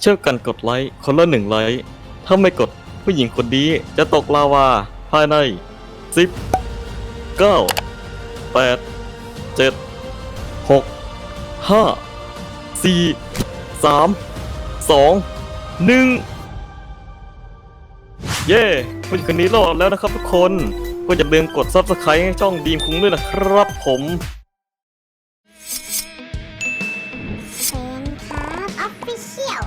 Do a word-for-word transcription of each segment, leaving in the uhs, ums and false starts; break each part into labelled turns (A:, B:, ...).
A: เช่วยกันกดไลค์คนละหนึ่งไลค์ถ้าไม่กดผู้หญิงคนนี้จะตกลาวาภายในสิบ เก้า แปด เจ็ด หก ห้า สี่ สาม สอง หนึ่งเย้ผู้หญิงคนนี้รอดแล้วนะครับทุกคนก็อย่าลืมกด ซับสไครบ์ ให้ช่องดีมคุ้งด้วยนะครับผม
B: เชนครับออฟฟิเชียล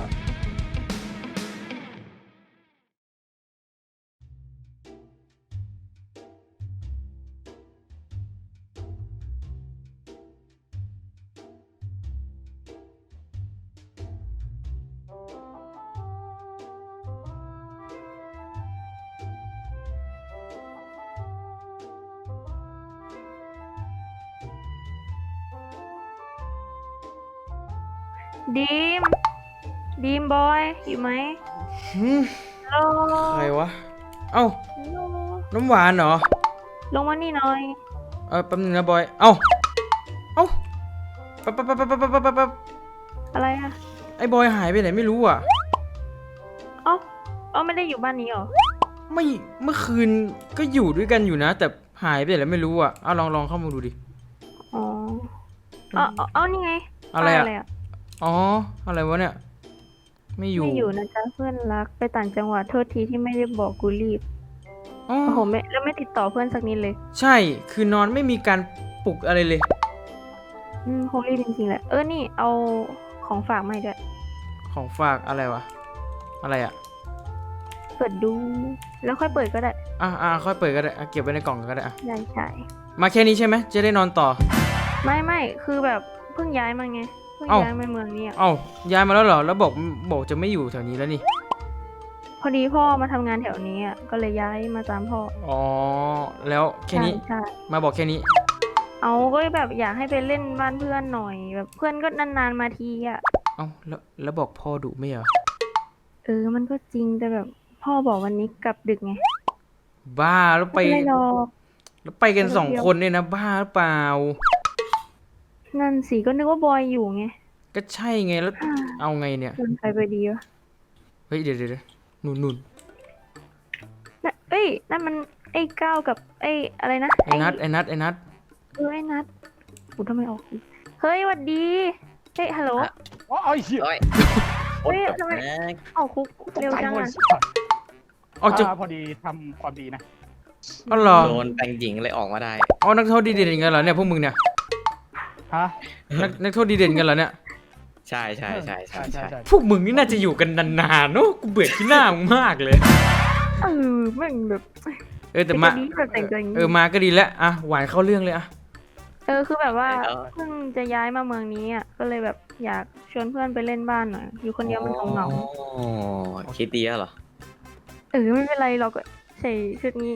C: ดีม ดีมบอย อยู่ไหม
D: หืม
C: ฮัลโหล
D: ใครวะ เอ้า
C: ฮัลโหล
D: น้ำหวานเหรอ
C: ลงมานี่หน่อย
D: เออแป๊บนึงนะบอย เอ้า เอ้าปั๊บปั๊บปั๊บปั๊บปั๊บปั๊บปั๊บ
C: อะไรอะ
D: ไอ้บอยหายไปไหนไม่รู้อ่ะ
C: เอ้าเอ้าไม่ได้อยู่บ้านนี้เหรอ
D: ไม่ เมื่อคืนก็อยู่ด้วยกันอยู่นะ แต่หายไปไหนแล้วไม่รู้อ่ะเอาลองลองเข้ามาดูดิ
C: อ๋อเอ้าเอ้าเอ้านี่ไง
D: อะไรอะ
C: ป้าย
D: อ๋อ อะไรวะเนี่ย ไม่อยู่
C: ไม่อยู่นะจ๊ะเพื่อนรัก ไปต่างจังหวัดโทษทีที่ไม่ได้บอกกูรีบ
D: อ๋อ
C: โอ้โหไม่แล้วไม่ติดต่อเพื่อนสักนิดเลย
D: ใช่ คือนอนไม่มีการปลุกอะไรเลย
C: อืมคงรีบจริงๆแหละ เออ นี่เอาของฝากมาให้ด้วย
D: ของฝากอะไรวะ อะไรอ่ะ
C: เปิดดู แล้วค่อยเปิดก็ได้
D: อ่ะอ่ะค่อยเปิดก็ได้อ่ะเก็บไว้ในกล่องก็ได้อ่ะ
C: ได้ใช่
D: มาแค่นี้ใช่ไหม จะได้นอนต่อ
C: ไม่ไม่คือแบบเพิ่งย้ายมาไง เพิ่ง
D: เอ้า
C: ย้ายมาเมืองนี้อะ
D: เอ้า ย้ายมาแล้วเหรอ แล้วบอกบอกจะไม่อยู่แถวนี้แล้วนี่
C: พอดีพ่อมาทำงานแถวนี้อ่ะ ก็เลยย้ายมาตามพ่อ
D: อ๋อ แล้วแค่นี้
C: ใช่ใช่
D: มาบอกแค่นี้
C: เอาก็แบบอยากให้ไปเล่นบ้านเพื่อนหน่อย แบบเพื่อนก็นานๆมาทีอ่ะ
D: เอ้า แล้วแล้วบอกพ่อดุไม่เหรอ
C: เออ มันก็จริงแต่แบบ พ่อบอกวันนี้กลับดึกไง
D: บ้า แล้วไป
C: ไม่เป็นไรหรอก
D: แล้วไปกันสองคนเนี่ยนะ บ้าหรือเปล่า
C: นั่นสิก็นึกว่าบอยอยู่ไง
D: ก็ใช่ไง แล้วเอาไงเนี่ย
C: ชวนใครไปดีวะ
D: เฮ้ย เดี๋ยวเดี๋ยวเดี๋ยวนุ่นนุ่น
C: น่ะเอ้ย นั่นมันไอ้ก้าวกับไอ้อะไรนะ
D: ไอ้นัด ไอ้นัด ไอ้นัด
C: เออไอ้นัดอูทำไมออก เฮ้ยหวัดดี เฮ้ยฮัลโหล
E: อ๋อไอ้เหี้ย
C: เฮ้ยทำไมออกคุกเร็วจัง
E: ตก
C: อ่ะ
E: ใจหมด
D: ออกจาก
E: อ่าพอดีทำความดีนะ
D: อ๋อเหรอ
A: โดนแต่งหญิงเลยออกมาได้
D: อ๋อนักโทษดีเด่นกันเหรอเนี่ยพวกมึงเนี่ย
E: ฮะ
D: นักนักโทษดีเด่นกันเหรอเนี่ย
A: ใช่ใช่ใช่ใช่
E: ใช่
A: ใช่
E: ใช่
D: พวกมึงนี่น่าจะอยู่กันนานๆเนอะกูเบื่อที่หน้ามึงมากเลย
C: เออแม่งแบบ
D: เออแต่มา
C: เป็นแบบแต่งตัวอย่างนี้
D: เออมาก็ดีแล้วอ่ะหวานเข้าเรื่องเลยอ่ะ
C: เออคือแบบว่าเพิ่งจะย้ายมาเมืองนี้อ่ะก็เลยแบบอยากชวนเพื่อนไปเล่นบ้านหน่อยอยู่คนเดียวมันเหงา
A: อ๋อคิดดีแล้วเหรอ
C: ๆเออไม่เป็นไรเราก็ใส่ชุดนี้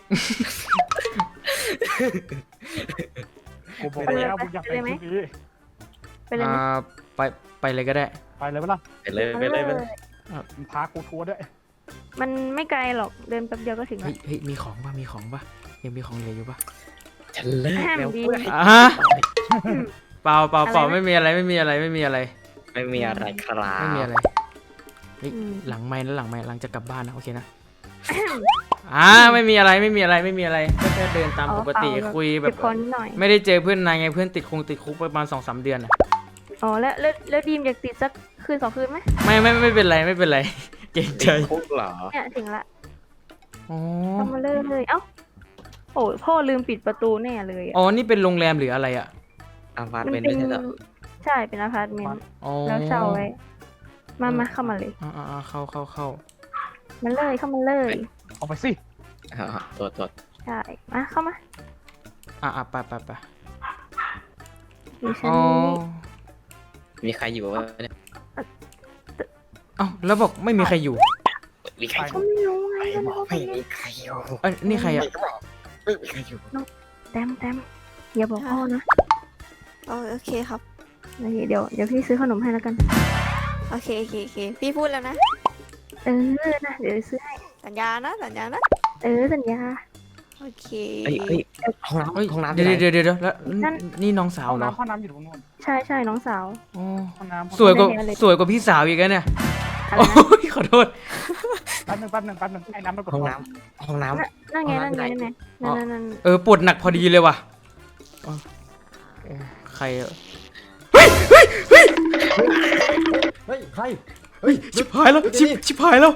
E: ผมบอกแล้วผมอยากไปที่นี้
C: ไปเลย
D: อ่า
C: ไหม
D: ไปไปเลยก็ได้
E: ไปเลยปะล่ะ
A: ไปเลยไปเลยไปเลย
E: มึงพากูทัวร์ด้วย
C: มันไม่ไกลหรอกเดินแป๊บเดียวก็ถึง
D: เฮ้
C: แล้
D: ยว เฮ้ยมีของป่ะมีของป่ะยังมีของเหลืออยู่ป่ะ
A: ฉันเลิก
C: แฮม
A: แล้ว
C: ดี
A: เพื่อน
D: อ่ะฮะเปล่าเปล่าเปล่า
C: อะไรนะ
D: ไม่มีอะไรไม่มีอะไรไม่มีอะไร
A: ไม่มีอะไรครับ
D: ไม่มีอะไรเฮ้ย
C: อืม
D: หลังไม้นะหลังไม้หลังจะกลับบ้านนะโอเคนะอ่าไม่มีอะไรไม่มีอะไรไม่มีอะไรก็แค่เดินตามปกติ
C: อ๋อเปล่า
D: คุยแบ
C: เจ็
D: บบ
C: คอนิดหน่อย
D: ไม่ได้เจอเพื่อนนายไงเพื่อนติดคงติดคุกประมาณสองสามเดือนอะ
C: อ๋อแล้วแล้วแล้วดีมอยากติดสักคืนสองคืนไหม
D: ไม่ไม่ไม่เป็นไรไม่เป็นไร เกรงใจ
A: ติดคุกเหรอ
C: เนี่ยถึงละ
D: อ๋อ
C: ทำมาเลยเลยเอ้าโอ้ยพ่อลืมปิดประตูแน่เลยอะ
D: อ๋อนี่เป็นโรงแรมหรืออะไรอ่ะ
A: อาพาร์ต
C: มัน
A: เมนต์
C: เป็
A: ไม่
C: น
A: ใช่เหรอ
C: ใช่เป็นอพาร์ตเมนต์
D: อ๋อ
C: แล้วเช่าไว้ มามาเข้ามาเลย
D: อ่าอ่าอ่าเข้าเข้าเข้า
C: มาเลยเข้ามาเลย
E: เอาไปสิ
A: อ่าตัวตัว
C: ใช่มาเข้ามา
D: อ่าอ่าไปไปไป
C: อยู่ชั้น
D: อ๋อ
C: นี้
A: มีใครอยู่วะเนี่ย
D: เอ้าแล้วบอกไม่มีใครอยู่
A: มีใครอ
C: ก็
A: ยู่
C: ไม่รู้ไง
A: ไม่
C: ก็
A: บอก
C: ไม่
A: ไม่
C: รู้
A: มีใครอยู่
D: เอ้ยนี่ใครอ่ะ
A: ไม่บอกไม่มีใครอยู่
C: แต้มแต้มอย่าบอกพ่อนะ
F: โอโอเคครับ
C: โอเคเดี๋ยวเดี๋ยวพี่ซื้อขนมให้แล้วกัน
F: โอเคโอเคโอเค พี่พูดแล้วนะ
C: เออนะเดี๋ยวซื้อให้
F: สัญญานะ สัญญานะ
C: เออสัญญา
F: โอเค
A: เฮ้ยเฮ้ยห้องน้ำ
D: เฮ้ย
A: ห้องน้ำ
D: เดี๋ยว
A: ที่ไหน
D: เดี๋ยวเดี๋ยวเดี๋ยวแล้ว
C: นั่น
D: นี่น้องสาว
E: ห้อง
D: เหรอ
E: น้ำห้องน้ำอยู่ตรงนู้น
C: ใช่ใช่น้องสาว
D: อ๋อ
E: ห้องน้ำ
D: สวยกว่า
C: ไม่ได้เลย
D: สวยกว่าพี่สาวอีกแล้วเนี่ย
C: อะไร
D: โอ้
C: นะ
D: ยขอโทษ
E: แป๊บนึงแป๊บนึงแป๊บนึงไอ้น้ำมันกด
G: ห้อง
E: ก่อน
G: น้ำห้องน้ำ
C: นั่นนั่นไงนั่นไงนั่นไงนั่นนั่นนั่น
D: เออปวดหนักพอดีเลยว่ะอ๋อเอ่อใครอะเฮ้ยเฮ้ยเฮ้ย
H: เฮ้ยใคร
D: เฮ้ยชิบหายแล้วชิบชิบหายแล้ว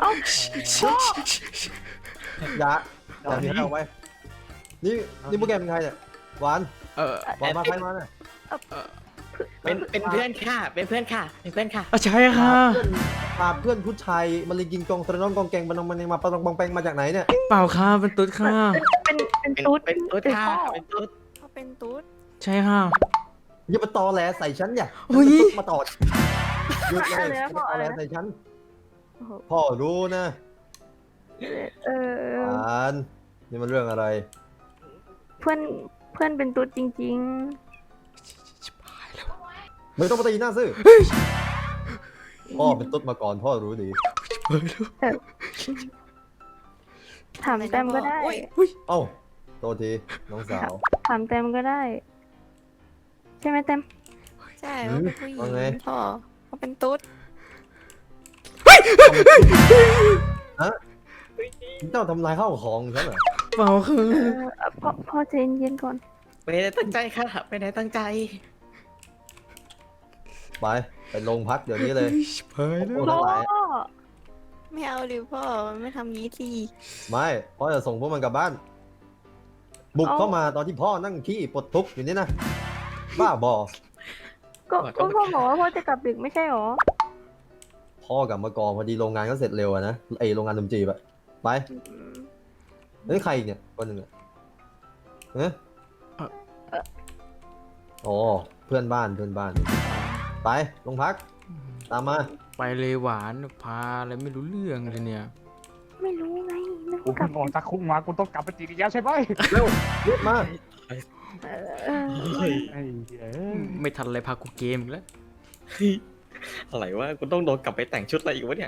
H: อย่าอย่าหนีเอาไว้นี่นี่พวกแกเป็นใครเนี่ยหวาน
D: เออ
H: หวานมาใครมาเนี่ย
G: เป็นเป็นเพื่อนค่ะ เป็นเพื่อนค่ะ เป็นเพื่อนค่ะ
D: อ่ะใช่ค่ะ
H: เพื่อนพาเพื่อนผู้ชายมาเลยกินกองตระน้องกองแกงบันนองมันยังมาปะตองบองแปงมาจากไหนเนี่ย
D: เปล่าค่ะเป็นตุ๊ดค่ะ
C: เป็นเป็น
G: เป็น
C: ตุ๊ด
G: เป็นตุ๊ด
C: เป็น
G: ค่ะ
C: พ่อ
G: เป็นตุ๊ด
F: เขาเป็นตุ๊ด
D: ใช่ค่ะ
H: อย่ามาตอแหลใส่ฉันอย่า
D: โอ้ย
H: ฉันเป็นตุ๊ดมาตอดหยุดเลย
C: อะไรนะ
H: อย่า
C: พ่อ
H: มาตอ
C: อะไร
H: แหล
C: นะ
H: ใส่ฉัน
C: โอ้โห
H: พ่อรู้นะ
C: เออ
H: หวานนี่มันเรื่องอะไร
C: เพื่อนเพื่อนเป็นตุ๊ดจริง
D: ชิบหายแล้ว
H: ไม่ต้องมาตีหน้าซื่อพ่อเป็นตุ๊ดมาก่อนพ่อรู้ดี
D: เฮ้ยแล้ว
C: ๆ ถามแต้มก็ได้
H: เอ้าโทษทีน้องสาว
C: ถามแต้มก็ได้ ใช่ไหมแต้ม
F: ใช่เขาเป็นผู้หญิ
H: ว่าไง
F: งพ่อเขาเป็นตุ๊ด
H: ฮะเจ้าทำลายข้าวของฉันเหรอ
D: เปล่าค่ะ
C: เออเอ่อพ่อพ่อใจเย็นๆก่อน
G: ไม่ได้ตั้งใจค่ะ ไม่ได้ตั้งใจ
H: ไปไปโรงพักเดี๋ยวนี้เลย
D: เฮ้ยชิบหายแล้ว
H: โอ้
C: พ่
H: ทั้
C: อง
H: หลาย
F: ไม่เอาดิพ่อไม่ทำงี้ที
H: ไม่พ่อจะส่งพวกมันกลับบ้าน บุกเข้ามาตอนที่พ่อนั่งขี้ปลดทุกข์อยู่นี่นะ บ้าบอ
C: ก็ก็พ่อบอกว่าพ่อจะกลับดึกไม่ใช่หรอ
H: พ่อกลับมาก่อนพอดีโรงงานก็เสร็จเร็วอะนะไอโรงงานดนตรีแบบไปเฮ้ยใครอีกเนี่ยคนหนึ่งอะเอ๊ะอ๋อเพื่อนบ้านเพื่อนบ้าน ไปโรงพัก ตามมา
D: ไปเลยหวานพาอะไรไม่รู้เรื่องเลยเนี่ย
C: ไม่รู้ไงนึก
E: กู
C: ว่ากลั
E: เพิ่
C: บ
E: งออกจากคุกมากูต้องกลับไปจีนอีกแล้วใช่ไหม
H: เร็วรีบมา
C: เออ
E: ไอ้เหี้ย
D: ไม่ทันอะไรพากูเกมอีกแล้ว
A: อะไรวะกูต้องโดนกลับไปแต่งชุดอะไรอีกวะเนี่ย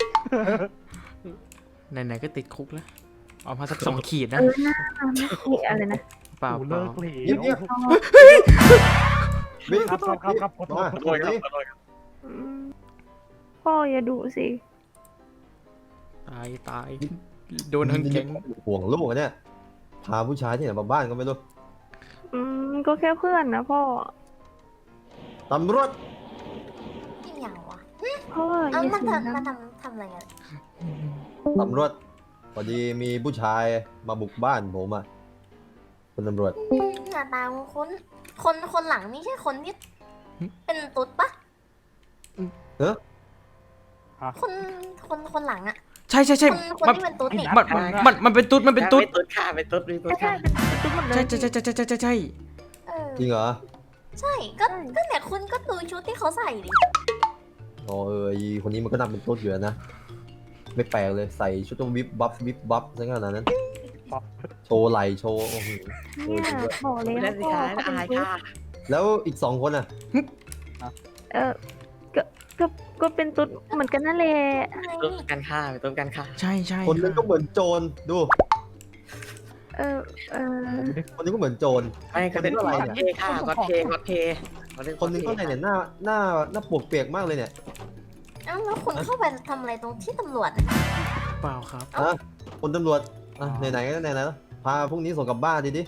D: ไหนๆก็ติดคุกแล้วเอามาสักสองขีด
C: เอ
D: นะ
C: อหน้าไม่คุยอะไรนะ
D: เปล่า
E: กู
D: เปล่า
E: เลิกเหล
H: เงียบเงียบ
C: พ่อ
H: วิ่ง
E: ครับครับครับครับขอโทษ
H: มา
E: ขอ
A: ข
E: โท
A: อ
E: ษ
A: โทษครับขอโทษครับ
C: อืมพ่ออย่าดุสิ
D: ตายตายโดนทั้งแก๊ง
H: ห่วงลูกอะเนี่ย พาผู้ชายที่ไหนมาบ้านก็ไม่รู้
C: อืมก็แค่เพื่อนนะพ่อ
H: ตำรวจ
B: อีกอย่างวะ
C: พ่ออ
B: เอ้า
C: ย่า
B: มัน
C: เสียง
B: ทำ
C: ดั
B: มัน
C: ง
B: ทำทำอะไรกัน
H: ตำรวจ พอดีมีผู้ชายมาบุกบ้านผมอ่ะคุณตำรวจ
B: หน้าตาคุ้นๆคนคนหลังนี่ใช่คนที่เป็นตุ๊ดปะ
H: เออ
B: คนคนคนหลังอะ
D: ใช่ใช่ใช่
B: คนคน
D: มัน
B: ที่เป็นตุ๊ดนี่
D: มันมันมันเป็นตุ๊ดมันเป็นตุ๊ด
G: เป็นตุ๊ดค่ะ เป็นตุ๊ดเป็นตุ๊ด
C: ใช่
G: ค่ะ
C: เป็นตุ๊ดหมดเลย
D: ใช่ใช่ใช่ใช่ใช่ใช่ใช่
B: เออ
H: จริงเหรอ
B: ใช่ก็ก็เนี่ยคุณก็ดูชุดที่เขาใส่ดิ
H: อ๋อเออไอคนนี้มันก็นำเป็นต้นอยู่แล้วนะ ไม่แปลกเลยใส่ชุดต้องวิบบัฟวิบบัฟซะขนาดนั้น โชว์ไหลโชว์โอ้โห
C: เนี่ยบอกเลย
G: ไม่
C: นะ
G: ได้สิ
C: พ่อ
G: คะ
C: เขาเป็น
G: อาย
C: ตุ๊ด
G: ค่ะ
H: แล้วอีกสองคนอ่ะ
C: เออก็ก็ก็เป็นตุ๊ดเหมือนกันนั่นแหละ
B: อะไร
G: ตุ๊ด
B: นี่
G: กันค่ะเป็นตุ๊ดกันค่ะ
D: ใช่ใช่
H: คนนึงก็เหมือนโจรดู
C: เออเออ
H: คนนึงก็เหมือนโจร
G: ไม่ก็เป็น
H: คน
G: ก็
H: นี้
G: อ
H: อะไร
G: ด
H: เนี่ย
G: เทค่ะก็อดเทก็อดเท
H: คนนึงก็ไหนเนี่ยหน้าหน้าหน้าปวกเปียกมากเลยเนี่ย
B: เอ้าแล้วคุณเข้าไปทำอะไรตรงที่ตำรวจอะ
D: เปล่าครับ
H: อ่ะคนตำรวจอ่ะไหนๆก็ไหนๆแล้วพาพวกนี้ส่งกลับบ้านดิดิ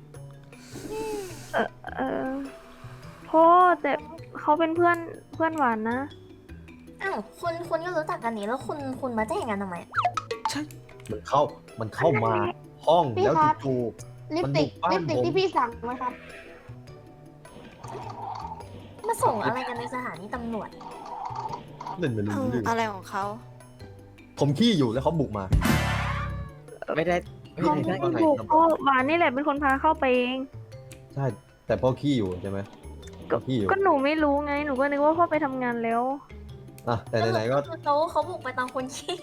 C: เออพ่อแต่เขาเป็นเพื่อนเพื่อนหวานนะ
B: อ้าวคุณคุณก็รู้จักกันนี่แล้วคุณคุณมาแจ้งกันทำไม
H: มันเข้ามันเข้ามาห้องแล้วจู่
B: ลิป
H: มัน
B: ติ
H: บุ
B: ก
H: กบ้าน
B: ลิปติก
H: ผม
B: ที่พี่สั่งมาครับ มาส่งอะไรกันในสถานีตำรวจ
H: ๆเล่นไม่รู้เรื่อง
F: อะไรของเขา
H: ผมขี้อยู่แล้วเขาบุกมา
G: ไม่ได้ไม่
C: เขา
G: ได้
C: ไม่ได้ถูกพ่อหวานนี่แหละเป็นคนพาเข้าไปเอง
H: ใช่ แต่พ่อขี้อยู่ใช่ไหม
C: ก็
H: ขี้อยู่
C: ก็หนูไม่รู้ไงหนูก็นึกว่าพ่อไปทำงานแล้ว
H: อ่ะแต่ไหนๆก็
B: คือเขาเขาบุกไปตอนคนขี้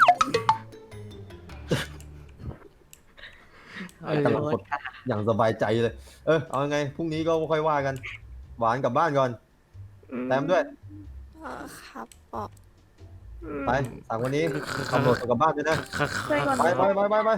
D: เออ
H: กำลังกดอย่างสบายใจเลย เออเอาไงพรุ่งนี้ก็ค่อยว่ากัน หวานกลับบ้านก่อน
C: อืม
H: แต้มด้วย
F: เออครับบอก
C: อืม
H: ไปสั่งวันนี้ตำรวจส่งกลับบ้านด้วยนะ
C: ช่วยก่อน
H: ไปไปไปไปไป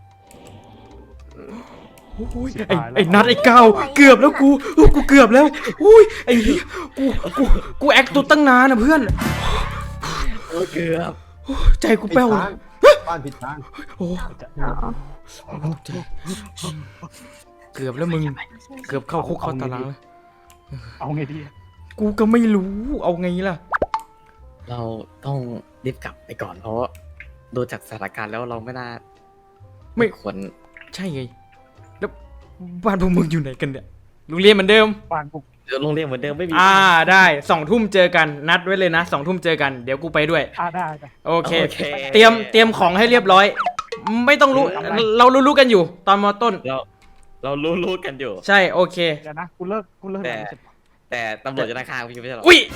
D: อุ้ยไอ้ไอ้นัดไอ้ก้าวเกือบแล้วกูอู้กูเกือบแล้วอุ้ยไอ้เหี้ยกูกูกูแอคตัวตั้งนานนะเพื่อน
G: โเกือบ
D: ใจกูแป้วเลย
H: บ้านผิดทาง
D: โอ้
C: อ๋อ
D: ใจเกือบแล้วมึง เกือบเข้าคุกเข้าตารางแล้ว
E: เอาไงดี
D: กูก็ไม่รู้ เอาไงล่ะ
G: เราต้องรีบกลับไปก่อนเพราะดูจากสถานการณ์แล้วเราไม่น่า
D: ไม่
G: ควร
D: ใช่ไง แล้วบ้านพวกมึงอยู่ไหนกันเนี่ยโรงเรียนเหมือนเดิม
E: บ้านกู
G: โรงเรียนเหมือนเดิมไม่มี
D: อ่าได้สองทุ่มเจอกันนัดไว้เลยนะสองทุ่มเจอกันเดี๋ยวกูไปด้วย
E: อ่าได้ได้
D: โอเค
G: โอเค
D: เตรียมเตรียมของให้เรียบร้อย ไม่ต้องรู้ เรารู้ๆกันอยู่ ตอนมอต้น
G: เราเรารู้รู้กันอยู่
D: ใช่โอเค
E: เดี๋ยวนะกูเลิกกูเลิก
G: แต่
E: งานเสร็จ
G: แต่ตำรวจจะนาคาพี่ไม่ใช่หรอ
D: อุ้ย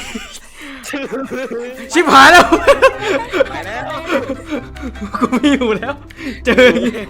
D: ชิบหายแล้ว
G: ไปแล้ว
D: กูไม่อยู่แล้ว เจออย่างงี้